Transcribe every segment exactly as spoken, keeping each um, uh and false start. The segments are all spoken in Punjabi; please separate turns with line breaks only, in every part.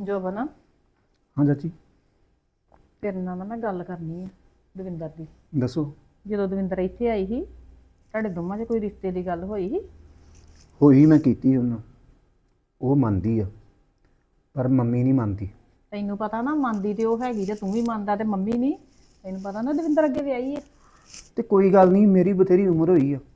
ਜੋਬਨ
ਹਾਂ ਚਾਚੀ
ਤੇਰੇ ਨਾਲ ਨਾ ਮੈਂ ਗੱਲ ਕਰਨੀ ਆ ਦਵਿੰਦਰ ਦੀ।
ਦੱਸੋ।
ਜਦੋਂ ਦਵਿੰਦਰ ਇੱਥੇ ਆਈ ਸੀ ਤੁਹਾਡੇ ਦੋਵਾਂ 'ਚ ਕੋਈ ਰਿਸ਼ਤੇ ਦੀ ਗੱਲ ਹੋਈ ਸੀ?
ਹੋਈ ਮੈਂ ਕੀਤੀ ਉਹਨੂੰ, ਉਹ ਮੰਨਦੀ ਆ ਪਰ ਮੰਮੀ ਨਹੀਂ ਮੰਨਦੀ।
ਤੈਨੂੰ ਪਤਾ ਨਾ ਮੰਨਦੀ ਤੇ ਉਹ ਹੈਗੀ ਤੇ ਤੂੰ ਵੀ ਮੰਨਦਾ ਤੇ ਮੰਮੀ ਨਹੀਂ। ਤੈਨੂੰ ਪਤਾ ਨਾ ਦਵਿੰਦਰ ਅੱਗੇ ਵਿਆਹੀ ਹੈ।
ਤੇ ਕੋਈ ਗੱਲ ਨਹੀਂ, ਮੇਰੀ ਬਥੇਰੀ ਉਮਰ ਹੋਈ ਆ।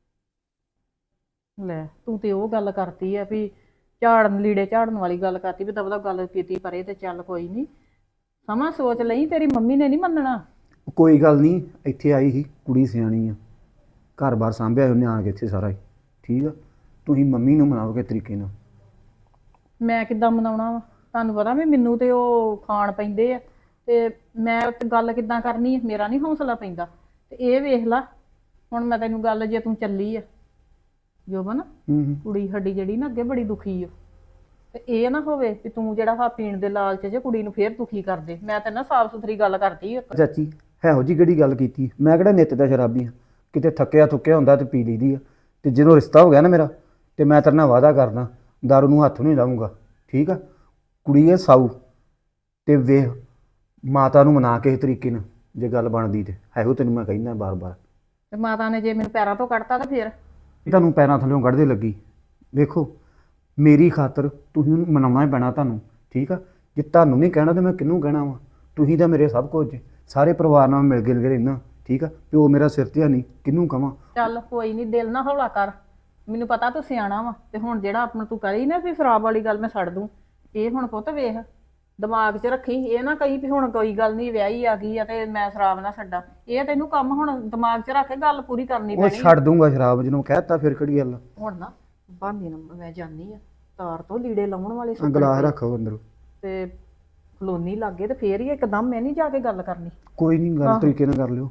ਲੈ ਤੂੰ ਤੇ ਉਹ ਗੱਲ ਕਰਤੀ ਆ ਵੀ ਝਾੜਨ ਲੀੜੇ ਝਾੜਨ ਵਾਲੀ ਗੱਲ ਕਰਤੀ ਵੀ ਦਬਦਾ ਗੱਲ ਕੀਤੀ ਪਰੇ ਤੇ ਚੱਲ ਕੋਈ ਨਹੀਂ, ਸਮਾਂ ਸੋਚ ਲਈ, ਤੇਰੀ ਮੰਮੀ ਨੇ ਨਹੀਂ ਮੰਨਣਾ।
ਕੋਈ ਗੱਲ ਨਹੀਂ, ਇੱਥੇ ਆਈ ਸੀ ਕੁੜੀ ਸਿਆਣੀ ਆ, ਘਰ-ਬਾਰ ਸਾਂਭਿਆ ਉਹਨੇ ਆਣ ਕੇ ਇੱਥੇ ਸਾਰਾ ਹੀ। ਠੀਕ ਆ, ਤੁਸੀਂ ਮੰਮੀ ਨੂੰ ਮਨਾਓਗੇ ਤਰੀਕੇ ਨਾਲ।
ਮੈਂ ਕਿੱਦਾਂ ਮਨਾਉਣਾ ਵਾ? ਤੁਹਾਨੂੰ ਪਤਾ ਵੀ ਮੈਨੂੰ ਤੇ ਉਹ ਖਾਣ ਪੈਂਦੇ ਆ ਤੇ ਮੈਂ ਤੇ ਗੱਲ ਕਿੱਦਾਂ ਕਰਨੀ ਹੈ? ਮੇਰਾ ਨਹੀਂ ਹੌਸਲਾ ਪੈਂਦਾ। ਤੇ ਇਹ ਵੇਖ ਲਾ ਹੁਣ ਮੈਂ ਤੈਨੂੰ ਗੱਲ, ਜੇ ਤੂੰ ਚੱਲੀ ਆ ਜੋਬਨ,
ਹੂੰ
ਕੁੜੀ ਸਾਡੀ ਜਿਹੜੀ ਨਾ ਅੱਗੇ ਬੜੀ ਦੁਖੀ ਆ, ਤੇ ਇਹ ਨਾ ਹੋਵੇ ਵੀ ਤੂੰ ਜਿਹੜਾ ਹਾ ਪੀਣ ਦੇ ਲਾਲਚ 'ਚ ਕੁੜੀ ਨੂੰ ਫੇਰ ਦੁਖੀ ਕਰ ਦੇ। ਮੈਂ ਤਾਂ ਨਾ ਸਾਫ਼ ਸੁਥਰੀ ਗੱਲ ਕਰਦੀ ਆ।
ਚਾਚੀ ਇਹੋ ਜੀ ਕਿਹੜੀ ਗੱਲ ਕੀਤੀ? ਮੈਂ ਕਿਹੜਾ ਨਿੱਤ ਦਾ ਸ਼ਰਾਬੀ ਆ, ਕਿਤੇ ਥੱਕਿਆ ਥੁੱਕਿਆ ਹੁੰਦਾ ਤੇ ਪੀ ਲਈਦੀ ਆ। ਤੇ ਜਦੋਂ ਰਿਸ਼ਤਾ ਹੋ ਗਿਆ ਨਾ ਮੇਰਾ, ਤੇ ਮੈਂ ਤੇਰੇ ਨਾਲ ਵਾਅਦਾ ਕਰਦਾ ਦਾਰੂ ਨੂੰ ਹੱਥ ਨਹੀਂ ਲਾਊਂਗਾ। ਠੀਕ ਆ, ਕੁੜੀ ਹੈ ਸਾਊ, ਤੇ ਵੇਖ ਮਾਤਾ ਨੂੰ ਮਨਾ ਕੇ ਇਸ ਤਰੀਕੇ ਨਾਲ ਜੇ ਗੱਲ ਬਣਦੀ ਤੇ ਇਹੋ ਤੈਨੂੰ ਮੈਂ ਕਹਿੰਦਾ ਬਾਰ-ਬਾਰ।
ਤੇ ਮਾਤਾ ਨੇ ਜੇ ਮੈਨੂੰ ਪੈਰਾਂ ਤੋਂ ਕੱਢਤਾ ਤਾਂ ਫੇਰ
ਤੁਹਾਨੂੰ ਪੈਰਾਂ ਥੱਲਿਓਂ ਕੱਢਦੇ ਲੱਗੀ। ਵੇਖੋ ਮੇਰੀ ਖਾਤਰ ਤੁਸੀਂ ਉਹਨੂੰ ਮਨਾਉਣਾ ਹੀ ਪੈਣਾ ਤੁਹਾਨੂੰ। ਠੀਕ ਆ, ਜੇ ਤੁਹਾਨੂੰ ਨਹੀਂ ਕਹਿਣਾ ਤਾਂ ਮੈਂ ਕਿਹਨੂੰ ਕਹਿਣਾ ਵਾ? ਤੁਸੀਂ ਤਾਂ ਮੇਰੇ ਸਭ ਕੁਝ ਜੇ, ਸਾਰੇ ਪਰਿਵਾਰ ਨਾਲ ਮਿਲ ਗਿਲ ਕੇ ਰਹਿਣਾ। ਠੀਕ ਆ, ਪਿਓ ਮੇਰਾ ਸਿਰ ਤੇ ਨਹੀਂ, ਕਿਹਨੂੰ ਕਵਾਂ?
ਚੱਲ ਕੋਈ ਨਹੀਂ, ਦਿਲ ਨਾ ਹੌਲਾ ਕਰ, ਮੈਨੂੰ ਪਤਾ ਤੂੰ ਸਿਆਣਾ ਵਾ। ਤੇ ਹੁਣ ਜਿਹੜਾ ਆਪਣਾ ਤੂੰ ਕਰੀ ਨਾ ਵੀ ਸ਼ਰਾਬ ਵਾਲੀ ਗੱਲ ਮੈਂ ਛੱਡ ਦੂੰ, ਇਹ ਹੁਣ ਪੁੱਤ ਵੇਖ ਦਿਮਾਗ 'ਚ ਰੱਖੀ। ਇਹ ਨਾ ਕਹੀ ਵੀ ਹੁਣ ਕੋਈ ਗੱਲ ਨਹੀਂ ਵਿਆਹੀ ਆ ਗਈ ਆ ਤੇ ਮੈਂ ਸ਼ਰਾਬ ਨਾ ਛੱਡਾਂ। ਇਹ ਤੈਨੂੰ ਕੰਮ ਹੁਣ ਦਿਮਾਗ 'ਚ ਰੱਖ ਕੇ ਗੱਲ ਪੂਰੀ ਕਰਨੀ
ਉਹ
ਪੈਣੀ।
ਛੱਡ ਦੂੰਗਾ ਸ਼ਰਾਬ, ਜਦੋਂ ਕਹਿਤਾ ਫਿਰ ਕਿਹੜੀ ਗੱਲ।
ਹੁਣ ਨਾ ਭਾਂਦੀ ਨੂੰ ਮੈਂ ਜਾਣੀ ਆ, ਤਾਰ ਤੋਂ ਲੀੜੇ ਲਾਉਣ ਵਾਲੇ
ਆ ਗਲਾਸ ਰੱਖੋ ਅੰਦਰ।
ਤੇ ਕਲੋਨੀ ਲੱਗੇ ਤੇ ਫੇਰ ਹੀ ਇੱਕਦਮ ਮੈਂ ਨਹੀਂ ਜਾ ਕੇ ਗੱਲ ਕਰਨੀ।
ਕੋਈ ਨਹੀਂ, ਗੱਲ ਤਰੀਕੇ ਨਾਲ ਕਰ ਲਿਓ।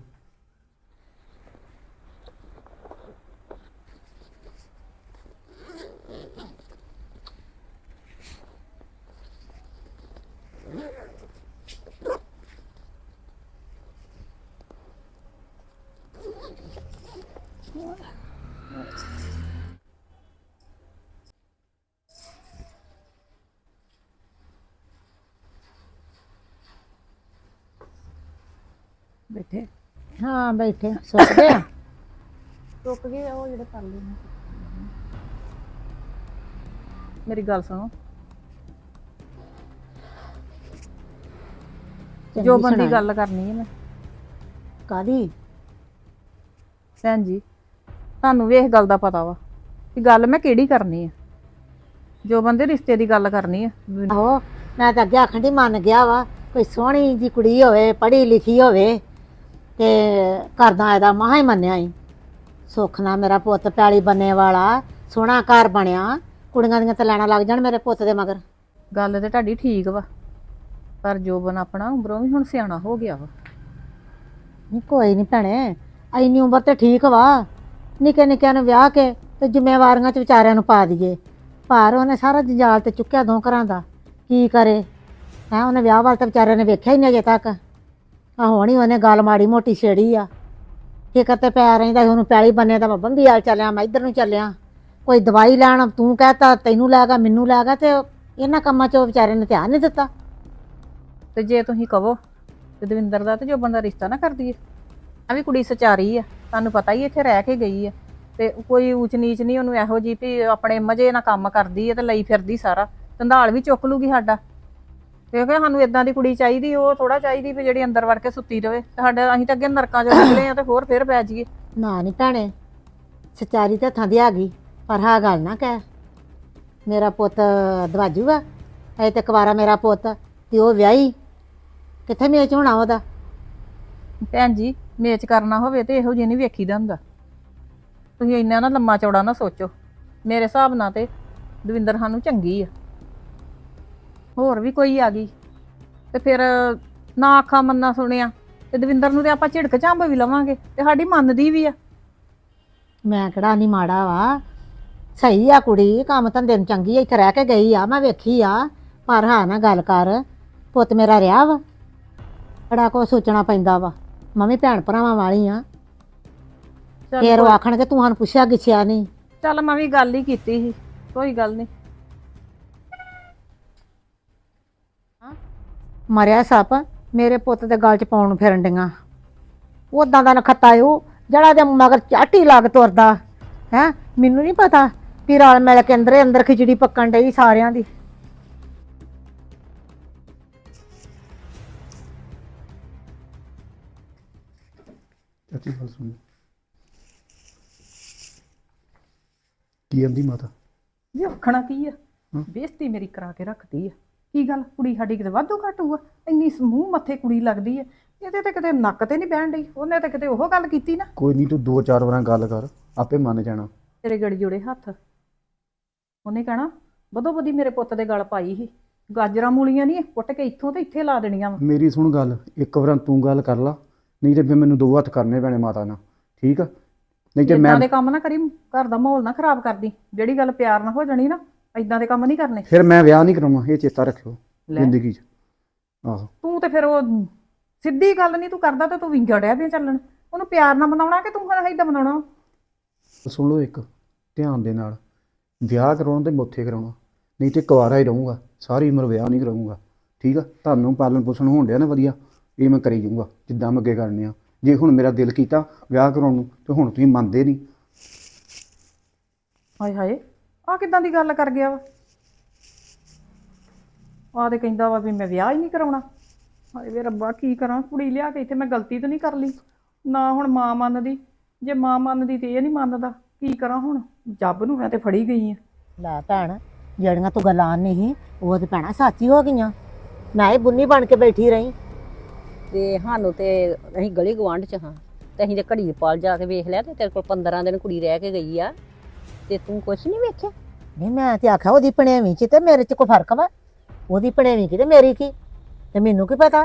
ਬੈਠੇ
ਹਾਂ ਬੈਠੇ ਸੁੱਕਦੇ ਆ।
ਰੁਕ ਗਏ ਉਹ ਜਿਹੜੇ ਕਰ ਲਏ। ਮੇਰੀ ਗੱਲ ਸੁਣੋ, ਜੋ ਬੰਦੀ ਗੱਲ ਕਰਨੀ ਹੈ ਮੈਂ।
ਕਾਦੀ?
ਭੈਣ ਜੀ ਤੁਹਾਨੂੰ ਵੀ ਇਸ ਗੱਲ ਦਾ ਪਤਾ ਵਾ ਕਿ ਗੱਲ ਮੈਂ ਕਿਹੜੀ ਕਰਨੀ ਆ। ਜੋ ਬੰਦੇ ਰਿਸ਼ਤੇ ਦੀ ਗੱਲ ਕਰਨੀ ਆ।
ਆਹੋ ਮੈਂ ਤਾਂ ਅੱਗੇ ਆਖਣ ਦੀ ਮੰਨ ਗਿਆ ਵਾ, ਕੋਈ ਸੋਹਣੀ ਜੀ ਕੁੜੀ ਹੋਵੇ, ਪੜ੍ਹੀ ਲਿਖੀ ਹੋਵੇ ਤੇ ਕਰਦਾ ਇਹਦਾ ਮਹਾ ਹੀ ਮੰਨਿਆ ਹੀ। ਸੁੱਖ ਨਾਲ ਮੇਰਾ ਪੁੱਤ ਪੈਲੀ ਬੰਨੇ ਵਾਲਾ ਸੋਹਣਾ ਘਰ ਬਣਿਆ, ਕੁੜੀਆਂ ਦੀਆਂ ਤਾਂ ਲੈਣਾ ਲੱਗ ਜਾਣ ਮੇਰੇ ਪੁੱਤ ਦੇ ਮਗਰ।
ਗੱਲ ਤੇ ਤੁਹਾਡੀ ਠੀਕ ਵਾ, ਪਰ ਜੋਬਨ ਆਪਣਾ ਉਮਰੋਂ ਵੀ ਹੁਣ ਸਿਆਣਾ ਹੋ ਗਿਆ ਵਾ।
ਨਹੀਂ ਕੋਈ ਨਹੀਂ ਭੈਣੇ, ਇੰਨੀ ਉਮਰ ਤੇ ਠੀਕ ਵਾ, ਨਿੱਕੇ ਨਿੱਕਿਆਂ ਨੂੰ ਵਿਆਹ ਕੇ ਤੇ ਜ਼ਿੰਮੇਵਾਰੀਆਂ 'ਚ ਵਿਚਾਰਿਆਂ ਨੂੰ ਪਾ ਦਈਏ। ਪਰ ਉਹਨੇ ਸਾਰਾ ਜੰਜਾਲ ਤੇ ਚੁੱਕਿਆ ਦੋ ਘਰਾਂ ਦਾ, ਕੀ ਕਰੇ ਹੈਂ? ਉਹਨੇ ਵਿਆਹ ਵੱਲ ਤਾਂ ਵਿਚਾਰਿਆਂ ਨੇ ਵੇਖਿਆ ਹੀ ਨਹੀਂ ਅਜੇ ਤੱਕ। ਆ ਹੁਣ ਹੀ ਉਹਨੇ ਗੱਲ ਮਾੜੀ ਮੋਟੀ ਛੇੜੀ ਆ, ਫਿਕਰ ਤੇ ਪੈ ਰਹਿੰਦਾ ਉਹਨੂੰ। ਪੈਲੀ ਬੰਨੇ ਤਾਂ ਮੈਂ ਬੰਬੀ ਵਾਲ ਚੱਲਿਆ, ਮੈਂ ਇੱਧਰ ਨੂੰ ਚੱਲਿਆ, ਕੋਈ ਦਵਾਈ ਲੈਣ ਤੂੰ ਕਹਿਤਾ ਤੈਨੂੰ ਲੈ ਗਿਆ, ਮੈਨੂੰ ਲੈ ਗਿਆ, ਤੇ ਇਹਨਾਂ ਕੰਮਾਂ 'ਚ ਉਹ ਵਿਚਾਰੇ ਨੇ ਧਿਆਨ ਨਹੀਂ ਦਿੱਤਾ।
ਤੇ ਜੇ ਤੁਸੀਂ ਕਹੋ ਤੇ ਦਵਿੰਦਰ ਦਾ ਤੇ ਜੋਬਨ ਦਾ ਰਿਸ਼ਤਾ ਨਾ ਕਰ ਦਈਏ। ਆ ਵੀ ਕੁੜੀ ਸਚਾਰੀ ਆ, ਤੁਹਾਨੂੰ ਪਤਾ ਹੀ ਇੱਥੇ ਰਹਿ ਕੇ ਗਈ ਆ, ਤੇ ਕੋਈ ਊਚ ਨੀਚ ਨਹੀਂ ਉਹਨੂੰ ਇਹੋ ਜਿਹੀ ਵੀ ਆਪਣੇ ਮਜ਼ੇ ਨਾਲ ਕੰਮ ਕਰਦੀ ਹੈ ਤੇ ਲਈ ਫਿਰਦੀ ਸਾਰਾ, ਧੰਦਾਲ ਵੀ ਚੁੱਕ ਲੂਗੀ ਸਾਡਾ। ਕਿਉਂਕਿ ਸਾਨੂੰ ਇਦਾਂ ਦੀ ਕੁੜੀ ਚਾਹੀਦੀ, ਉਹ ਥੋੜਾ ਚਾਹੀਦੀ ਵੀ ਜਿਹੜੀ ਅੰਦਰ ਵੜ ਕੇ ਸੁੱਤੀ ਰਵੇ। ਸਾਡੇ ਅਸੀਂ ਤਾਂ ਅੱਗੇ ਨਰਕਾਂ 'ਚੋਂ ਨਿਕਲੇ ਆ ਤੇ ਹੋਰ ਫੇਰ ਪੈ ਜਾਈਏ।
ਨਾ ਨਹੀਂ ਭੈਣੇ, ਸਚਾਰੀ ਤਾਂ ਹੱਥਾਂ ਦੀ ਆ ਗਈ, ਪਰ ਹਾਂ ਗੱਲ ਨਾ ਕਹਿ ਮੇਰਾ ਪੁੱਤ ਦਵਾਜੂ ਆ। ਅਜੇ ਤੇ ਕੁਵਾਰਾ ਮੇਰਾ ਪੁੱਤ, ਤੇ ਉਹ ਵਿਆਹੀ ਕਿੱਥੇ ਮੇਚ ਹੋਣਾ ਉਹਦਾ।
ਭੈਣ ਜੀ ਮੇਚ ਕਰਨਾ ਹੋਵੇ ਤੇ ਇਹੋ ਜਿਹੀ ਨਹੀਂ ਵੇਖੀਦਾ ਹੁੰਦਾ। ਤੁਸੀਂ ਇੰਨਾ ਨਾ ਲੰਮਾ ਚੌੜਾ ਨਾ ਸੋਚੋ। ਮੇਰੇ ਹਿਸਾਬ ਨਾਲ ਤੇ ਦਵਿੰਦਰ ਸਾਨੂੰ ਚੰਗੀ ਆ। ਹੋਰ ਵੀ ਕੋਈ ਆ ਗਈ ਤੇ ਫਿਰ ਨਾ ਆਖਾਂ ਮੰਨਾ ਸੁਣਿਆ ਤੇ ਦਵਿੰਦਰ ਨੂੰ ਤੇ ਆਪਾਂ ਝਿੜਕ ਝੰਬ ਵੀ ਲਵਾਂਗੇ ਤੇ ਸਾਡੀ ਮੰਨਦੀ ਵੀ ਆ।
ਮੈਂ ਕਿਹੜਾ ਨਹੀਂ ਮਾੜਾ ਵਾ, ਸਹੀ ਆ ਕੁੜੀ, ਕੰਮ ਧੰਦੇ ਨੂੰ ਚੰਗੀ ਆ, ਇੱਥੇ ਰਹਿ ਕੇ ਗਈ ਆ, ਮੈਂ ਵੇਖੀ ਆ। ਪਰ ਹਾਂ ਨਾ ਗੱਲ ਕਰ, ਪੁੱਤ ਮੇਰਾ ਰਿਹਾ ਵਾ, ਬੜਾ ਕੁਛ ਸੋਚਣਾ ਪੈਂਦਾ ਵਾ। ਮੈਂ ਵੀ ਭੈਣ ਭਰਾਵਾਂ ਵਾਲੀ ਆ, ਫੇਰ ਉਹ ਆਖਣਗੇ ਤੂੰ ਸਾਨੂੰ ਪੁੱਛਿਆ ਗਿੱਛਿਆ ਨਹੀਂ।
ਚੱਲ ਮੈਂ ਵੀ ਗੱਲ ਹੀ ਕੀਤੀ ਸੀ, ਕੋਈ ਗੱਲ ਨਹੀਂ।
ਮਰਿਆ ਸੱਪ ਮੇਰੇ ਪੁੱਤ ਦੇ ਗਲ 'ਚ ਪਾਉਣ ਨੂੰ ਫਿਰਨ ਡੀਆਂ। ਉਦਾਂ ਦਾ ਨਖੱਤਾ ਏ ਉਹ ਜਿਹੜਾ ਦੇ ਮਗਰ ਚਾਟੀ ਲੱਗ ਤੁਰਦਾ ਹੈ। ਮੈਨੂੰ ਨਹੀਂ ਪਤਾ ਵੀ ਰਲ ਮਿਲ ਕੇ ਅੰਦਰੇ ਅੰਦਰ ਖਿਚੜੀ ਪੱਕਣ ਡਈ ਸਾਰਿਆਂ ਦੀ।
ਚਾਚੀ ਗੱਲ ਸੁਣ, ਕੀ ਆਂਦੀ ਮਾਤਾ?
ਇਹ ਆਖਣਾ ਕੀ ਆ, ਬੇਇੱਜ਼ਤੀ ਮੇਰੀ ਕਰਾ ਕੇ ਰੱਖਦੀ ਆ। ਕੀ ਗੱਲ, ਕੁੜੀ ਸਾਡੀ ਕਿਤੇ ਵਾਧੂ ਘੱਟ ਹੋਊ ਆ? ਇੰਨੀ ਸਮੂਹ ਮੱਥੇ ਕੁੜੀ ਲੱਗਦੀ ਆ, ਇਹਦੇ ਤੇ ਕਿਤੇ ਨੱਕ ਤੇ ਨਹੀਂ ਬਹਿਣ ਡਈ। ਉਹਨੇ ਤੇ ਕਿਤੇ ਉਹ ਗੱਲ ਕੀਤੀ ਨਾ।
ਕੋਈ ਨਹੀਂ, ਤੂੰ ਦੋ ਚਾਰ ਵਾਰਾਂ ਗੱਲ ਕਰ, ਆਪੇ ਮੰਨ ਜਾਣਾ।
ਤੇਰੇ ਗੜੀ ਜੋੜੇ ਹੱਥ। ਉਹਨੇ ਕਹਿਣਾ ਬਦੋ ਬਦੀ ਮੇਰੇ ਪੁੱਤ ਦੇ ਗਲ ਪਾਈ ਸੀ। ਗਾਜਰਾਂ ਮੂਲੀਆਂ ਨਹੀਂ ਪੁੱਟ ਕੇ ਇੱਥੋਂ ਤੇ ਇੱਥੇ ਲਾ ਦੇਣੀਆਂ ਵਾ।
ਮੇਰੀ ਸੁਣ ਗੱਲ, ਇੱਕ ਵਾਰ ਤੂੰ ਗੱਲ ਕਰ ਲਾ, ਨਹੀਂ ਤੇ ਫਿਰ ਮੈਨੂੰ ਦੋ ਹੱਥ ਕਰਨੇ ਪੈਣੇ ਮਾਤਾ ਨਾਲ, ਠੀਕ ਆ? ਨਹੀਂ ਤੇ ਮੈਂ
ਇਦਾਂ ਦੇ ਕੰਮ ਨਾ ਕਰੀ, ਘਰ ਦਾ ਮਾਹੌਲ ਨਾ ਖਰਾਬ ਕਰਦੀ। ਜਿਹੜੀ ਗੱਲ ਪਿਆਰ ਨਾਲ ਹੋ ਜਾਣੀ ਨਾ, ਇਦਾਂ ਦੇ ਕੰਮ ਨਹੀਂ ਕਰਨੇ।
ਫਿਰ ਮੈਂ ਵਿਆਹ ਨਹੀਂ ਕਰਾਉਣਾ, ਇਹ ਚੇਤਾ ਰੱਖਿਓ ਜ਼ਿੰਦਗੀ 'ਚ। ਆਹੋ,
ਤੂੰ ਤੇ ਫਿਰ ਉਹ ਸਿੱਧੀ ਗੱਲ ਨਹੀਂ ਤੂੰ ਕਰਦਾ ਤੇ ਤੂੰ ਵਿੰਗੜਿਆ ਵੀ ਚੱਲਣ। ਉਹਨੂੰ ਪਿਆਰ ਨਾਲ ਮਨਾਉਣਾ ਕਿ ਤੂੰ ਫਿਰ ਏਦਾਂ ਮਨਾਉਣਾ?
ਸੁਣ ਲਓ ਇੱਕ ਧਿਆਨ ਦੇ ਨਾਲ, ਵਿਆਹ ਕਰਾਉਣਾ ਤੇ ਮੁੱਥੇ ਕਰਾਉਣਾ, ਨਹੀਂ ਤੇ ਕੁਆਰਾ ਹੀ ਰਹੂੰਗਾ ਸਾਰੀ ਉਮਰ, ਵਿਆਹ ਨਹੀਂ ਕਰਾਉਂਗਾ, ਠੀਕ ਆ? ਤੁਹਾਨੂੰ ਪਾਲਣ ਪੋਸ਼ਣ ਹੋਣ ਡਿਆ ਨਾ ਵਧੀਆ, ਇਹ ਮੈਂ ਕਰੀ ਜਾਊਂਗਾ ਜਿੱਦਾਂ ਮੈਂ ਅੱਗੇ ਕਰਨੇ ਆ। ਜੇ ਹੁਣ ਮੇਰਾ ਦਿਲ ਕੀਤਾ ਵਿਆਹ ਕਰਾਉਣ ਨੂੰ ਤੇ ਹੁਣ ਤੁਸੀਂ ਮੰਨਦੇ ਨਹੀਂ।
ਹਾਏ ਹਾਏ, ਆਹ ਕਿੱਦਾਂ ਦੀ ਗੱਲ ਕਰ ਗਿਆ ਵਾ? ਆਹ ਤੇ ਕਹਿੰਦਾ ਵਾ ਵੀ ਮੈਂ ਵਿਆਹ ਹੀ ਨਹੀਂ ਕਰਾਉਣਾ। ਹਾਏ ਵੇ ਰੱਬਾ, ਕੀ ਕਰਾਂ? ਕੁੜੀ ਲਿਆ ਕੇ ਇੱਥੇ ਮੈਂ ਗਲਤੀ ਤਾਂ ਨਹੀਂ ਕਰ ਲਈ ਨਾ? ਹੁਣ ਮਾਂ ਮੰਨਦੀ, ਜੇ ਮਾਂ ਮੰਨਦੀ ਤੇ ਇਹ ਨਹੀਂ ਮੰਨਦਾ, ਕੀ ਕਰਾਂ ਹੁਣ? ਜੱਬ ਨੂੰ ਮੈਂ ਤੇ ਫੜੀ ਗਈ ਆ।
ਲੈ ਭੈਣ, ਜਿਹੜੀਆਂ ਤੂੰ ਗੱਲਾਂ ਨਹੀਂ ਉਹ ਤੇ ਭੈਣਾ ਸੱਚੀ ਹੋ ਗਈਆਂ। ਮੈਂ ਹੀ ਬੁੰਨੀ ਬਣ ਕੇ ਬੈਠੀ ਰਹੀ।
ਤੇ ਸਾਨੂੰ ਤੇ ਅਸੀਂ ਗਲੀ ਗਵਾਂਢ ਚ ਹਾਂ, ਤੇ ਅਸੀਂ ਤੇ ਘੜੀ ਪਾਲ ਜਾ ਕੇ ਵੇਖ ਲਿਆ ਤੇ ਤੇਰੇ ਕੋਲ ਪੰਦਰਾਂ ਦਿਨ ਕੁੜੀ ਰਹਿ ਕੇ ਗਈ ਆ, ਤੇ ਤੂੰ ਕੁਛ ਨਹੀਂ ਵੇਖਿਆ?
ਨਹੀਂ ਮੈਂ ਤੇ ਆਖਿਆ ਉਹਦੀ ਭਣੇਵੀਂ ਚ ਤੇ ਮੇਰੇ ਚ ਕੋਈ ਫਰਕ ਵਾ? ਉਹਦੀ ਭਣੇਵੀਂ ਕੀ ਤੇ ਮੇਰੀ ਕੀ, ਤੇ ਮੈਨੂੰ ਕੀ ਪਤਾ?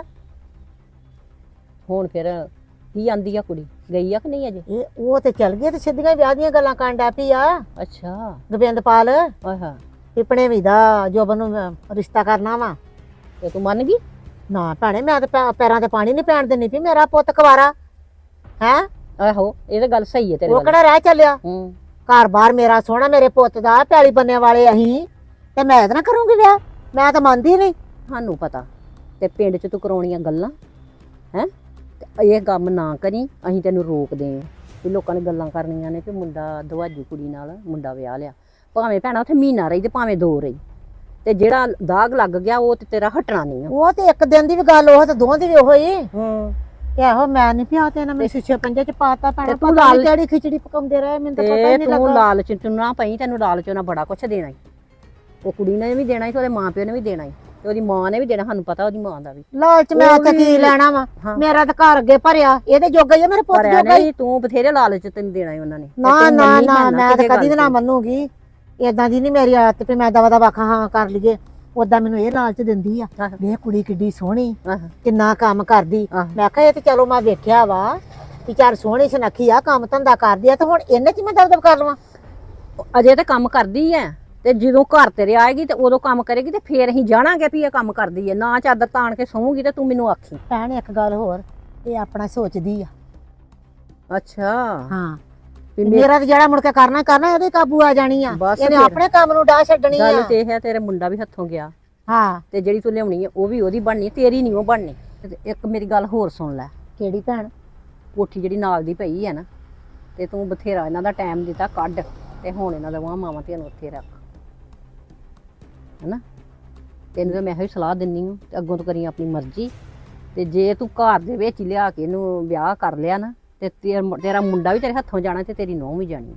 ਹੁਣ ਫਿਰ ਕੀ ਆਂਦੀ ਆ ਕੁੜੀ, ਗਈ ਆ ਕਿ ਨਹੀਂ ਅਜੇ?
ਇਹ ਉਹ ਤੇ ਚੱਲ ਗਈ ਤੇ ਸਿੱਧੀਆਂ ਵਿਆਹ ਦੀਆਂ ਗੱਲਾਂ ਕਰਨ ਡੈ ਪਈ ਆ
ਅੱਛਾ,
ਗੋਬਿੰਦਪਾਲ
ਆਹਾ,
ਵੀ ਭਣੇਵੀਂ ਦਾ ਜੋਬਨ ਨੂੰ ਰਿਸ਼ਤਾ ਕਰਨਾ ਵਾ।
ਤੇ ਤੂੰ ਮੰਨ ਗਈ?
ਨਾ ਭੈਣੇ, ਮੈਂ ਤੇ ਪੈ- ਪੈਰਾਂ ਤੇ ਪਾਣੀ ਨਹੀਂ ਪੈਣ ਦਿੰਦੀ ਵੀ ਮੇਰਾ ਪੁੱਤ ਕੁਵਾਰਾ ਹੈ।
ਆਹੋ, ਇਹ ਤਾਂ ਗੱਲ ਸਹੀ ਹੈ ਤੇਰੀ।
ਉਹ ਕਿਹੜਾ ਰਹਿ ਚੱਲਿਆ?
ਹੂੰ,
ਘਰ ਬਾਰ ਮੇਰਾ ਸੋਹਣਾ, ਮੇਰੇ ਪੁੱਤ ਦਾ ਪੈਲੀ ਬੰਨੇ ਵਾਲੇ ਅਸੀਂ, ਤੇ ਮੈਂ ਇਹਦੇ ਨਾਲ ਕਰੂੰਗੀ ਵਿਆਹ? ਮੈਂ ਤਾਂ ਮੰਨਦੀ ਨਹੀਂ।
ਸਾਨੂੰ ਪਤਾ ਤੇ ਪਿੰਡ ਚ ਤੂੰ ਕਰਾਉਣੀਆਂ ਗੱਲਾਂ ਹੈ, ਤੇ ਇਹ ਕੰਮ ਨਾ ਕਰੀ, ਅਸੀਂ ਤੈਨੂੰ ਰੋਕਦੇ ਆਂ ਵੀ ਲੋਕਾਂ ਨੇ ਗੱਲਾਂ ਕਰਨੀਆਂ ਨੇ ਕਿ ਮੁੰਡਾ ਦਵਾਜੀ ਕੁੜੀ ਨਾਲ ਮੁੰਡਾ ਵਿਆਹ ਲਿਆ। ਭਾਵੇਂ ਭੈਣਾ ਉੱਥੇ ਮਹੀਨਾ ਰਹੀ ਤੇ ਭਾਵੇਂ ਦੋ ਰਹੀ, ਤੇ ਜਿਹੜਾ ਦਾਗ ਲੱਗ ਗਿਆ ਉਹ ਤੇ ਤੇਰਾ ਹਟਣਾ ਨਹੀਂ ਆ।
ਉਹ ਤੇ ਇੱਕ ਦਿਨ ਦੀ ਵੀ ਗੱਲ, ਉਹ ਤੇ ਦੋਵਾਂ ਦੀ ਵੀ ਉਹੋ ਹੀ।
ਹੂੰ,
ਇਹੋ ਮੈਂ ਨਹੀਂ ਪਿਆ ਤੇ ਨਾ ਮੈਂ ਸ਼ੀਸ਼ੇ ਪੰਜੇ ਚ ਪਾਤਾ ਭੈਣਾ।
ਤੇ ਤੂੰ
ਪਤਾ ਨੀ
ਲਾਲ-
ਕਿਹੜੀ ਖਿਚੜੀ ਪਕਾਉਂਦੇ ਰਹੇ, ਮੈਨੂੰ ਤਾਂ ਪਤਾ ਹੀ
ਤੇ
ਨਹੀਂ
ਤੂੰ
ਲੱਗਾ।
ਲਾਲਚ ਚ ਨਾ ਪਈ, ਤੈਨੂੰ ਲਾਲਚ ਨਾਲ ਬੜਾ ਕੁਛ ਦੇਣਾ ਈ। ਉਹ ਕੁੜੀ ਨੇ ਵੀ ਦੇਣਾ ਈ ਤੇ ਉਹਦੇ ਮਾਂ ਪਿਓ ਨੇ ਵੀ ਦੇਣਾ ਈ, ਤੇ ਉਹਦੀ ਮਾਂ ਨੇ ਵੀ ਦੇਣਾ। ਸਾਨੂੰ ਪਤਾ ਉਹਦੀ ਮਾਂ ਦਾ ਵੀ।
ਲਾਲਚ ਮੈਂ
ਉਹ
ਉੱਥੇ ਕੀ
ਵੀ-
ਲੈਣਾ ਵਾ?
ਹਾਂ।
ਮੇਰਾ ਤਾਂ ਘਰ ਅੱਗੇ ਭਰਿਆ, ਇਹਦੇ ਜੋਗਾ ਹੀ ਆ, ਮੇਰੇ ਪੁੱਤ
ਪਰ
ਜੋਗਾ ਹੀ।
ਨਹੀਂ, ਤੂੰ ਬਥੇਰੇ ਲਾਲਚ ਤੈਨੂੰ ਦੇਣਾ ਈ ਉਹਨਾਂ ਨੇ। ਤੇ
ਨਾ
ਤੂੰ
ਨਾ
ਮੰਨੀ
ਨਾ,
ਹੈ
ਮੈਂ ਤਾਂ
ਕਿਸੇ
ਕਦੀ ਵੀ
ਗੱਲ
ਨਾ
ਤੇ।
ਮੰਨੂਗੀ। ਏਦਾਂ ਦੀ ਨਹੀਂ ਮੇਰੀ ਆਦਤ ਵੀ ਮੈਂ ਦਵਾ ਦਵਾ ਹਾਂ ਕਰ ਲਈਏ। ਉਦਾਂ ਮੈਨੂੰ ਇਹ ਲਾਲਚ ਦਿੰਦੀ ਆ,
ਆਹ।
ਵੇਖ ਕੁੜੀ ਕਿੱਡੀ ਸੋਹਣੀ,
ਆਹ,
ਕਿੰਨਾ ਕੰਮ ਕਰਦੀ।
ਆਹ।
ਮੈਂ ਕਿਹਾ ਇਹ ਤੇ ਚਲੋ ਮੈਂ ਵੇਖਿਆ ਵਾ ਵੀ ਚਾਰ ਸੋਹਣੀ ਸੁਨੱਖੀ ਆ, ਕੰਮ ਧੰਦਾ ਕਰਦੀ ਆ, ਤੇ ਹੁਣ ਇਹਨੇ ਚ ਮੈਂ ਦਬਦਬ ਕਰ ਲਵਾਂ?
ਅਜੇ ਤਾਂ ਕੰਮ ਕਰਦੀ ਐ, ਤੇ ਜਦੋਂ ਘਰ ਤੇਰੇ ਆਏਗੀ ਤੇ ਉਦੋਂ ਕੰਮ ਕਰੇਗੀ, ਤੇ ਫੇਰ ਅਸੀਂ ਜਾਣਾਂਗੇ ਵੀ ਇਹ ਕੰਮ ਕਰਦੀ ਐ। ਨਾ ਚਾਦਰ ਤਾਣ ਕੇ ਸੌਂਗੀ ਤੇ ਤੂੰ ਮੈਨੂੰ ਆਖੀ।
ਭੈਣ ਇੱਕ ਗੱਲ ਹੋਰ, ਇਹ ਆਪਣਾ ਸੋਚਦੀ ਆ।
ਅੱਛਾ,
ਹਾਂ,
ਵੀ ਮੇ-
ਮੇਰਾ ਤੇ ਜਿਹੜਾ ਮੁੜ ਕੇ ਕਰਨਾ ਕਰਨਾ, ਇਹਦੇ ਕਾਬੂ ਆ ਜਾਣੀ ਆ।
ਬਸ
ਇਹਨੇ
ਫਿਰ।
ਆਪਣੇ ਕੰਮ ਨੂੰ ਡਾਹ ਛੱਡਣੀ
ਗੱਲ
ਆ।
ਤੇ ਇਹ ਹੈ, ਤੇਰੇ ਮੁੰਡਾ ਵੀ ਹੱਥੋਂ ਗਿਆ,
ਹਾਂ,
ਤੇ ਜਿਹੜੀ ਤੂੰ ਲਿਆਉਣੀ ਹੈ ਉਹ ਵੀ ਉਹਦੀ ਬਣਨੀ, ਤੇਰੀ ਨਹੀਂ ਉਹ ਬਣਨੀ। ਤੇ ਇੱਕ ਮੇਰੀ ਗੱਲ ਹੋਰ ਸੁਣ ਲੈ,
ਕਿਹੜੀ ਭੈਣ?
ਕੋਠੀ ਜਿਹੜੀ ਨਾਲ ਦੀ ਪਈ ਹੈ ਨਾ, ਤੇ ਤੂੰ ਬਥੇਰਾ ਇਹਨਾਂ ਦਾ ਟਾਈਮ ਦਿੱਤਾ ਕੱਢ, ਤੇ ਹੁਣ ਇਹਨਾਂ ਦਾ ਵਾਹ ਮਾਵਾਂ ਧੀਆਂ ਨੂੰ ਉੱਥੇ ਰੱਖ, ਹੈਨਾ? ਤੈਨੂੰ ਤਾਂ ਮੈਂ ਇਹੋ ਹੀ ਸਲਾਹ ਦਿੰਨੀ ਹਾਂ, ਤੇ ਅੱਗੋਂ ਤੋਂ ਕਰੀ ਆਪਣੀ ਮਰਜ਼ੀ। ਤੇ ਜੇ ਤੂੰ ਘਰ ਦੇ ਵਿੱਚ ਹੀ ਲਿਆ ਕੇ ਇਹਨੂੰ ਵਿਆਹ ਕਰ ਲਿਆ ਨਾ, ਤੇ ਤੇਰਾ ਤੇਰਾ ਮੁੰਡਾ ਵੀ ਤੇਰੇ ਹੱਥੋਂ ਜਾਣਾ, ਤੇ ਤੇਰੀ ਨੂੰਹ ਵੀ ਜਾਣੀ।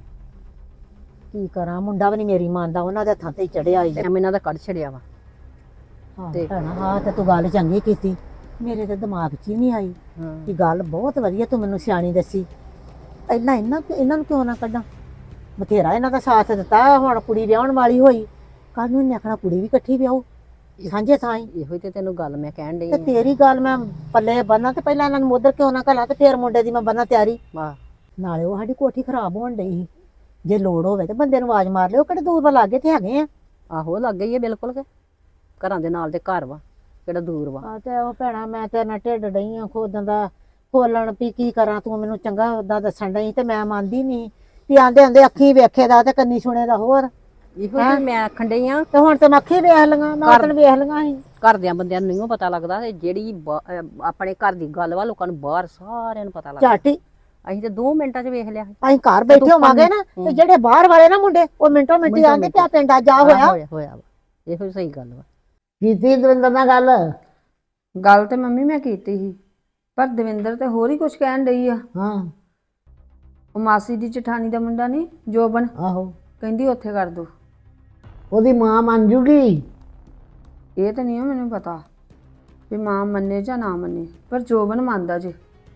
ਕੀ ਕਰਾਂ, ਮੁੰਡਾ ਵੀ ਨਹੀਂ ਮੇਰੀ ਮੰਨਦਾ, ਉਹਨਾਂ ਦੇ ਹੱਥਾਂ ਤੇ ਹੀ ਚੜਿਆ ਹੀ।
ਟਾਈਮ ਇਹਨਾਂ ਦਾ ਕੱਢ ਛੜਿਆ ਵਾ।
ਤੇ ਭੈਣਾ ਹਾਂ, ਤੇ ਤੂੰ ਗੱਲ ਚੰਗੀ ਕੀਤੀ, ਮੇਰੇ ਤੇ ਦਿਮਾਗ 'ਚ ਹੀ ਨਹੀਂ ਆਈ।
ਹਾਂ,
ਕਿ ਗੱਲ ਬਹੁਤ ਵਧੀਆ ਤੂੰ ਮੈਨੂੰ ਸਿਆਣੀ ਦੱਸੀ। ਪਹਿਲਾਂ ਇਹਨਾਂ ਇਹਨਾਂ ਨੂੰ ਕਿਉਂ ਨਾ ਕੱਢਾਂ? ਬਥੇਰਾ ਇਹਨਾਂ ਦਾ ਸਾਥ ਦਿੱਤਾ, ਹੁਣ ਕੁੜੀ ਵਿਆਹਣ ਵਾਲੀ ਹੋਈ, ਕੱਲ ਨੂੰ ਇਹਨੇ ਆਖਣਾ ਕੁੜੀ ਵੀ ਇਕੱਠੀ ਵਿਆਹੋ ਸਾਂਝੇ ਥਾਂ ਹੀ।
ਇਹੋ ਹੀ ਤੇ ਤੈਨੂੰ ਗੱਲ ਮੈਂ ਕਹਿਣ ਡਈ
ਤੇ
ਹਾਂ।
ਤੇਰੀ ਗੱਲ ਮੈਂ ਪੱਲੇ ਬੰਨਾਂ, ਤੇ ਪਹਿਲਾਂ ਇਹਨਾਂ ਨੂੰ ਮੋਦਰ ਕਿਉਂ ਨਾ ਘਲਾ, ਤੇ ਫੇਰ ਮੁੰਡੇ ਦੀ ਮੈਂ ਬੰਨਾਂ ਤਿਆਰੀ।
ਵਾਹ,
ਨਾਲੇ ਉਹ ਸਾਡੀ ਕੋਠੀ ਖਰਾਬ ਹੋਣ ਡਈ ਸੀ, ਜੇ ਲੋੜ ਹੋਵੇ ਤੇ ਬੰਦੇ ਨੂੰ ਆਵਾਜ਼ ਮਾਰ ਲਿਓ, ਕਿਹੜੇ ਦੂਰ ਵਾ, ਲਾਗੇ ਤੇ ਹੈਗੇ ਆ।
ਆਹੋ ਲੱਗ ਗਈ ਹੈ ਬਿਲਕੁਲ ਕੇ, ਘਰਾਂ ਦੇ ਨਾਲ ਦੇ ਘਰ ਵਾ, ਕਿਹੜਾ ਦੂਰ ਵਾ।
ਆ ਤੇ ਉਹ ਭੈਣਾ, ਮੈਂ ਤੇਰੇ ਨਾਲ ਢਿੱਡ ਡਈ ਆ ਖੋਦਣ ਦਾ, ਖੋਲਣ ਵੀ ਕੀ ਕਰਾਂ, ਤੂੰ ਮੈਨੂੰ ਚੰਗਾ ਉਦਾਂ ਦੱਸਣ ਡਈ, ਤੇ ਮੈਂ ਮੰਨਦੀ ਨਹੀਂ ਵੀ ਆਂਦੇ ਆਂਦੇ ਅੱਖੀ ਵੇਖੇ ਦਾ ਤੇ ਕੰਨੀ ਸੁਣੇ ਦਾ ਹੋਰ।
ਇਹੋ ਹੀ ਮੈਂ ਆਖਣ ਡਈ ਆ,
ਤੇ ਹੁਣ ਤੇ ਮੈਂ ਅੱਖੀ ਵੇਖ ਲਈਆਂ, ਮੈਂ
ਕਰ-
ਤੈਨੂੰ ਵੇਖ ਲਈਆਂ ਸੀ।
ਘਰਦਿਆਂ ਬੰਦਿਆਂ ਨੂੰ ਨਹੀਂ ਪਤਾ ਲੱਗਦਾ ਤੇ ਜਿਹੜੀ ਬਾ- ਅਹ ਆਪਣੇ ਘਰ ਦੀ ਗੱਲ ਵਾ ਲੋਕਾਂ ਨੂੰ ਬਾਹਰ ਸਾਰਿਆਂ ਨੂੰ ਪਤਾ ਲੱਗਦਾ।
ਝਾਟੀ
ਅਸੀਂ ਤੇ ਦੋ ਮਿੰਟਾਂ 'ਚ ਵੇਖ ਲਿਆ।
ਅਸੀਂ ਘਰ ਬੈਠੇ
ਤੂੰ
ਹੋਵਾਂਗੇ ਨਾ
ਹੂੰ।
ਤੇ ਜਿਹੜੇ ਬਾਹਰ ਵਾਲੇ ਨਾ ਮੁੰਡੇ ਉਹ ਮਿੰਟੋ ਮਿੰਟੀ
ਮਿੰਟੋ
ਆਂਦੇ
ਮਿੰਟੀ।
ਪਿਆ ਪਿੰਡ ਅੱਜ ਆ
ਆਹ
ਹੋਇਆ
ਹੋਇਆ ਹੋਇਆ ਵਾ ਇਹੋ ਹੀ ਸਹੀ ਗੱਲ ਵਾ।
ਕੀਤੀ ਦਵਿੰਦਰ ਨਾਲ ਗੱਲ
ਗੱਲ ਤੇ ਮੰਮੀ ਮੈਂ ਕੀਤੀ ਸੀ, ਪਰ ਦਵਿੰਦਰ ਤੇ ਹੋਰ ਹੀ ਕੁਝ ਕਹਿਣ ਡਈ ਆ।
ਹਾਂ
ਉਹ ਮਾਸੀ ਦੀ ਜਠਾਣੀ ਦਾ ਮੁੰਡਾ ਨਹੀਂ ਜੋਬਨ,
ਆਹੋ
ਕਹਿੰਦੀ ਉੱਥੇ ਕਰ ਦੋ।
ਉਹਦੀ ਮਾਂ ਮੰਨ ਜੂਗੀ।
ਇਹ ਤਾਂ ਨਹੀਂ ਮੈਨੂੰ ਪਤਾ ਵੀ ਮਾਂ ਮੰਨੇ ਜਾਂ ਨਾ ਮੰਨੇ, ਪਰ ਜੋਬਨ ਮੰਨਦਾ ਜੇ।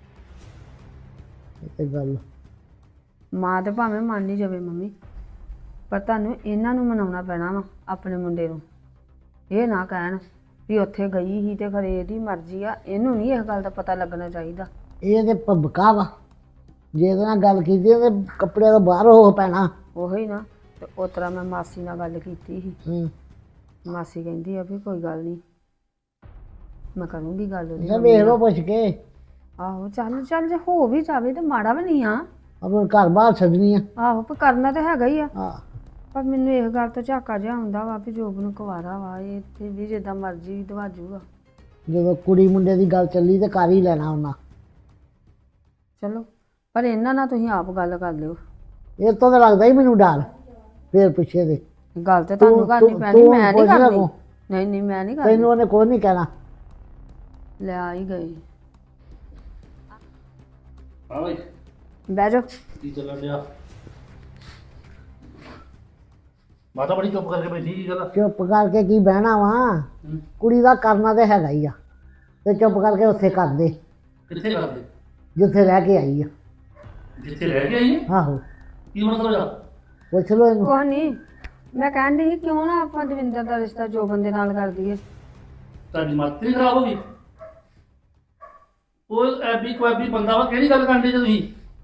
ਇਹ ਤੇ ਗੱਲ
ਮਾਂ ਤੇ ਭਾਵੇਂ ਮੰਨ ਹੀ ਜਾਵੇ ਮੰਮੀ, ਪਰ ਤੁਹਾਨੂੰ ਇਹਨਾਂ ਨੂੰ ਮਨਾਉਣਾ ਪੈਣਾ ਵਾ ਆਪਣੇ ਮੁੰਡੇ ਨੂੰ। ਇਹ ਨਾ ਕਹਿਣ ਵੀ ਉੱਥੇ ਗਈ ਸੀ ਤੇ ਖਰੇ ਇਹਦੀ ਮਰਜ਼ੀ ਆ, ਇਹਨੂੰ ਨਹੀਂ ਇਸ ਗੱਲ ਦਾ ਪਤਾ ਲੱਗਣਾ ਚਾਹੀਦਾ।
ਇਹ ਤੇ ਭਬਕਾ ਵਾ, ਜੇ ਇਹਦੇ ਨਾਲ ਗੱਲ ਕੀਤੀ ਉਹਦੇ ਕੱਪੜੇ ਤੋਂ ਬਾਹਰ ਹੋ ਪੈਣਾ।
ਉਹੀ ਨਾ, ਤੇ ਉਸ ਤਰ੍ਹਾਂ ਮੈਂ ਮਾਸੀ ਨਾਲ ਗੱਲ ਕੀਤੀ ਸੀ।
ਹੂੰ
ਮਾਸੀ ਕਹਿੰਦੀ ਆ ਵੀ ਕੋਈ ਗੱਲ ਨਹੀਂ, ਮੈਂ ਕਰੂੰਗੀ ਗੱਲ ਉਹਦੀ
ਇਹ
ਮੰਮੀ
ਵੇਖ
ਨਾਲ।
ਲਓ ਪੁੱਛ ਕੇ
ਆਹੋ ਚੱਲ ਚੱਲ, ਜੇ ਹੋ ਵੀ ਜਾਵੇ ਤੇ ਮਾੜਾ ਵੀ ਨਹੀਂ ਆ।
ਆਪਣੇ ਘਰ ਬਾਹਰ ਛੱਡਣੀ ਆ।
ਆਹੋ ਪਰ ਕਰਨਾ ਤਾਂ ਹੈਗਾ ਹੀ ਆ।
ਹਾਂ
ਪਰ ਮੈਨੂੰ ਇਸ ਗੱਲ ਤੋਂ ਝਾਕਾ ਜਿਹਾ ਆਉਂਦਾ ਵਾ ਵੀ ਜੋਬ ਨੂੰ ਕੁਵਾਰਾ ਵਾ, ਇਹ ਇੱਥੇ ਵੀ ਜਿੱਦਾਂ ਮਰਜ਼ੀ ਦਵਾਜੂਗਾ।
ਜਦੋਂ ਕੁੜੀ ਮੁੰਡੇ ਦੀ ਗੱਲ ਚੱਲੀ ਤੇ ਕਰ ਹੀ ਲੈਣਾ ਉਹਨਾਂ।
ਚਲੋ, ਪਰ ਇਹਨਾਂ ਨਾਲ ਤੁਸੀਂ ਆਪ ਗੱਲ ਕਰ ਲਿਓ।
ਇਹ ਤੋਂ ਤਾਂ ਲੱਗਦਾ ਹੀ ਮੈਨੂੰ ਡਰ ਫੇਰ ਪਿੱਛੇ ਦੇ।
ਗੱਲ ਤੇ ਤੁਹਾਨੂੰ
ਤੂੰ-
ਕਰਨੀ
ਤੂੰ-
ਪੈਣੀ,
ਤੂੰ
ਮੈਂ ਨਹੀਂ
ਪੁੱਛ ਲੈ
ਕਰਨੀ।
ਕੋ।
ਨਹੀਂ ਨਹੀਂ ਮੈਂ ਨਹੀਂ
ਤੈਨੂੰ
ਕਰਨੀ।
ਉਹਨੇ ਕੁਛ ਨਹੀਂ ਕਹਿਣਾ।
ਲੈ ਆ ਹੀ ਗਈ।
ਹਾਂ ਬਈ
ਬਹਿ ਜਾਓ।
ਕੀ ਚੱਲਣ ਡਿਆ? ਮਾਤਾ ਬੜੀ ਚੁੱਪ ਕਰਕੇ ਬੈਠੀ, ਕੀ ਗੱਲ?
ਚੁੱਪ ਕਰਕੇ ਕੀ ਬਹਿਣਾ ਵਾ,
ਹੂੰ।
ਕੁੜੀ ਦਾ ਕਰਨਾ ਤੇ ਹੈਗਾ ਹੀ ਆ, ਤੇ ਚੁੱਪ ਕਰਕੇ ਉੱਥੇ ਕਰ ਦੇ
ਕਿੱਥੇ ਕਰਦੇ?
ਜਿੱਥੇ ਰਹਿ ਕੇ ਆਈ ਆ।
ਜਿੱਥੇ ਰਹਿ ਕੇ ਆਈ ਹੈ?
ਆਹੋ
ਕੀ ਮਤਲਬ ਆ?
ਪੁੱਛ ਲੋ ਇਹਨੂੰ।
ਕੁਛ ਨਹੀਂ, ਮੈਂ ਕਹਿਣ ਡਈ ਸੀ ਕਿਉਂ ਨਾ ਆਪਾਂ ਦਵਿੰਦਰ ਦਾ ਰਿਸ਼ਤਾ ਜੋਬਨ ਦੇ ਨਾਲ ਕਰ ਦਈਏ।
ਤੁਹਾਡੀ ਮਾਤਰੀ ਖਰਾਬ ਹੋ ਗਈ? ਉਹ ਐਬੀ ਕੁਐਬੀ ਬੰਦਾ ਵਾ, ਕਿਹੜੀ ਗੱਲ ਕਰਦੇ ਜੇ ਤੁਸੀਂ?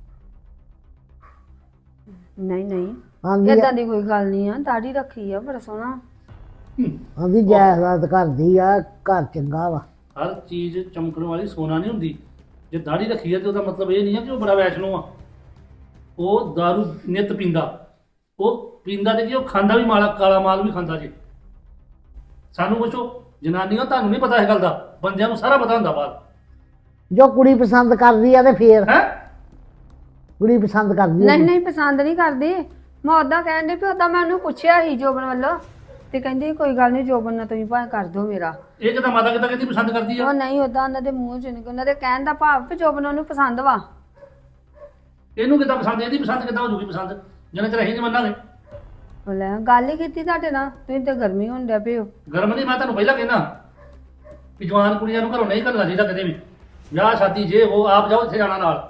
ਨਹੀਂ ਨਹੀਂ,
ਆਂਦੀ
ਏਦਾਂ ਦੀ ਕੋਈ ਗੱਲ ਨਹੀਂ ਆ। ਦਾੜੀ ਰੱਖੀ ਆ ਬੜਾ ਸੋਹਣਾ।
ਆਂਦੀ ਜਾਇਦਾਦ ਕਰਦੀ ਆ, ਘਰ ਚੰਗਾ ਵਾ।
ਹਰ ਚੀਜ਼ ਚਮਕਣ ਵਾਲੀ ਸੋਨਾ ਨਹੀਂ ਹੁੰਦੀ। ਜੇ ਦਾੜੀ ਰੱਖੀ ਹੈ ਤੇ ਉਹਦਾ ਮਤਲਬ ਇਹ ਨਹੀਂ ਹੈ ਕਿ ਉਹ ਬੜਾ ਵੈਸ਼ਨੋ ਆ। ਉਹ ਦਾਰੂ ਨਿੱਤ ਪੀਂਦਾ, ਉਹ ਪੀਂਦਾ ਤੇ ਕੀ ਉਹ ਖਾਂਦਾ ਵੀ ਮਾਲਾ, ਕਾਲਾ ਮਾਲ ਵੀ ਖਾਂਦਾ ਜੀ। ਸਾਨੂੰ ਪੁੱਛੋ ਜਨਾਨੀਆਂ, ਤੁਹਾਨੂੰ ਨਹੀਂ ਪਤਾ ਇਹ ਗੱਲ ਦਾ, ਬੰਦਿਆਂ ਨੂੰ ਸਾਰਾ ਪਤਾ ਹੁੰਦਾ ਬਾਹਰ।
ਜੋ ਕੁੜੀ ਪਸੰਦ ਕਰਦੀ ਆ ਤੇ ਫੇਰ
ਹੈ
ਕੁੜੀ ਪਸੰਦ ਕਰਦੀ ਆ।
ਨਹੀਂ ਨਹੀਂ, ਪਸੰਦ ਨਹੀਂ ਕਰਦੀ। ਮੈਂ ਉਦਾਂ ਕਹਿਣ ਡਈ ਵੀ ਉਦਾਂ ਮੈਂ ਉਹਨੂੰ ਪੁੱਛਿਆ ਸੀ ਜੋਬਨ ਵੱਲੋਂ, ਤੇ ਕਹਿੰਦੀ ਕੋਈ ਗੱਲ ਨਹੀਂ ਜੋਬਨ ਨਾਲ ਤੁਸੀਂ ਭਾਵੇਂ ਕਰ ਦਿਓ ਮੇਰਾ।
ਇਹ ਕਿਦਾਂ ਮਾਤਾ ਕਿਦਾਂ ਕਹਿੰਦੀ ਪਸੰਦ ਕਰਦੀ ਆ?
ਉਹ ਨਹੀਂ, ਉਦਾਂ ਉਹਨਾਂ ਦੇ ਮੂੰਹ ਚ ਨਹੀਂ, ਉਹਨਾਂ ਦੇ ਕਹਿਣ ਦਾ ਭਾਵ ਵੀ ਜੋਬਨ ਉਹਨੂੰ ਪਸੰਦ ਵਾ।
ਇਹਨੂੰ ਕਿਦਾਂ ਪਸੰਦ, ਇਹਦੀ ਪਸੰਦ ਕਿਦਾਂ ਹੋ ਜੂਗੀ ਪਸੰਦ, ਜਿੰਨੇ ਚਿਰ ਅਸੀਂ ਨਹੀਂ ਮੰਨਾਂਗੇ।
ਉਹ ਲੈ ਗੱਲ ਹੀ ਕੀਤੀ ਤੁਹਾਡੇ ਨਾਲ, ਤੁਸੀਂ ਤੇ ਗਰਮੀ ਹੋਣ ਡਿਆ ਪਏ ਹੋ।
ਗਰਮ ਨਹੀਂ, ਮੈਂ ਤੁਹਾਨੂੰ ਪਹਿਲਾਂ ਕਹਿਣਾ ਕਿ ਜਵਾਨ ਕੁੜੀਆਂ ਨੂੰ ਘਰੋਂ ਨਹੀਂ ਘੱਲਣਾ ਚਾਹੀਦਾ ਕਦੇ ਵੀ। ਵਿਆਹ ਸ਼ਾਦੀ ਜੇ ਉਹ ਆਪ ਜਾਓ, ਇੱਥੇ ਜਾਣਾ ਨਾਲ।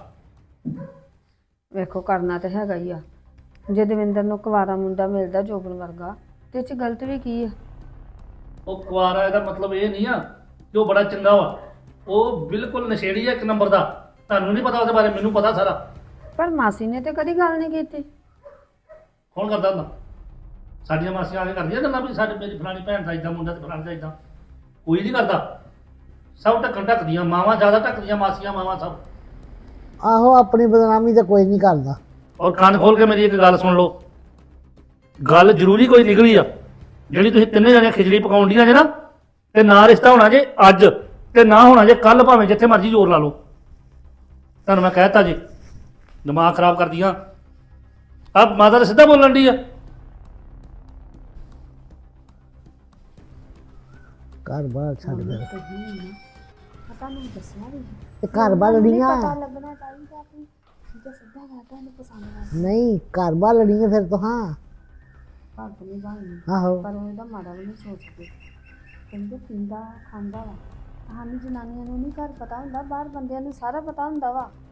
ਵੇਖੋ ਕਰਨਾ ਤੇ ਹੈਗਾ ਹੀ ਆ। ਜੇ ਦਵਿੰਦਰ ਨੂੰ ਕੁਵਾਰਾ ਮੁੰਡਾ ਮਿਲਦਾ ਜੋਬਨ ਵਰਗਾ, ਤੇ ਇਹ ਚ ਗਲਤ ਵੀ ਕੀ ਆ?
ਉਹ ਕੁਆਰਾ, ਇਹਦਾ ਮਤਲਬ ਇਹ ਨਹੀਂ ਆ ਕਿ ਉਹ ਬੜਾ ਚੰਗਾ ਵਾ। ਉਹ ਬਿਲਕੁਲ ਨਸ਼ੇੜੀ ਆ ਇੱਕ ਨੰਬਰ ਦਾ। ਤੁਹਾਨੂੰ ਨਹੀਂ ਪਤਾ ਉਹਦੇ ਬਾਰੇ, ਮੈਨੂੰ ਪਤਾ ਸਾਰਾ।
ਪਰ ਮਾਸੀ ਨੇ ਤੇ ਕਦੀ ਗੱਲ ਨਹੀਂ ਕੀਤੀ।
ਕੌਣ ਕਰਦਾ ਹੁੰਦਾ? ਸਾਡੀਆਂ ਮਾਸੀਆਂ ਆ ਕੇ ਕਰਦੀਆਂ ਗੱਲਾਂ ਵੀ ਸਾਡੇ, ਮੇਰੀ ਫਲਾਣੀ ਭੈਣ ਦਾ ਇਦਾਂ ਮੁੰਡਾ ਤੇ ਫਲਾਣੀ ਦਾ ਇਦਾਂ। ਕੋਈ ਨਹੀਂ ਕਰਦਾ। ਸਭ ਢੱਕਣ ਢੱਕਦੀਆਂ, ਮਾਵਾਂ ਜ਼ਿਆਦਾ ਢੱਕਦੀਆਂ, ਮਾਸੀਆਂ ਮਾਵਾਂ ਸਭ।
ਆਹੋ ਆਪਣੀ ਬਦਨਾਮੀ ਤੇ ਕੋਈ ਨਹੀਂ ਕਰਦਾ।
ਔਰ ਕੰਨ ਖੋਲ ਕੇ ਮੇਰੀ ਇੱਕ ਗੱਲ ਸੁਣ ਲਓ, ਗੱਲ ਜ਼ਰੂਰੀ ਕੋਈ ਨਿਕਲੀ ਆ। ਜਿਹੜੀ ਤੁਸੀਂ ਤਿੰਨੇ ਜਣੇ ਖਿਚੜੀ ਪਕਾਉਣ ਦੀਆਂ ਜੇ ਨਾ, ਤੇ ਨਾ ਰਿਸ਼ਤਾ ਹੋਣਾ ਜੇ ਅੱਜ, ਤੇ ਨਾ ਹੋਣਾ ਜੇ ਕੱਲ, ਭਾਵੇਂ ਜਿੱਥੇ ਮਰਜ਼ੀ ਜ਼ੋਰ ਲਾ ਲਓ। ਤੁਹਾਨੂੰ ਮੈਂ ਕਹਿਤਾ ਜੀ, ਦਿਮਾਗ ਖਰਾਬ ਕਰਦੀਆਂ। ਆ ਮਾਤਾ ਤਾਂ ਸਿੱਧਾ ਬੋਲਣ ਦੀ ਆ।
ਘਰ ਬਾਹਰ ਛੱਡ ਦੇ ਤੇ ਘਰ ਬਾਹਰ ਲੜੀਆਂ ਨਹੀਂ, ਘਰ ਬਾਹਰ ਲੜੀਆਂ ਫਿਰ ਤੋਂ। ਹਾਂ
ਭੱਗ ਨਹੀਂ ਬਾਣੀ,
ਆਹੋ
ਪਰ ਉਹ ਇਹਦਾ ਮਾੜਾ ਵੀ ਨਹੀਂ ਸੋਚਦੇ। ਕਹਿੰਦੇ ਪੀਂਦਾ ਖਾਂਦਾ ਵਾ। ਸਾਨੂੰ ਜਨਾਨੀਆਂ ਨੂੰ ਨਹੀਂ ਘਰ ਪਤਾ ਹੁੰਦਾ, ਬਾਹਰ ਬੰਦਿਆਂ ਨੂੰ ਸਾਰਾ ਪਤਾ ਹੁੰਦਾ ਵਾ।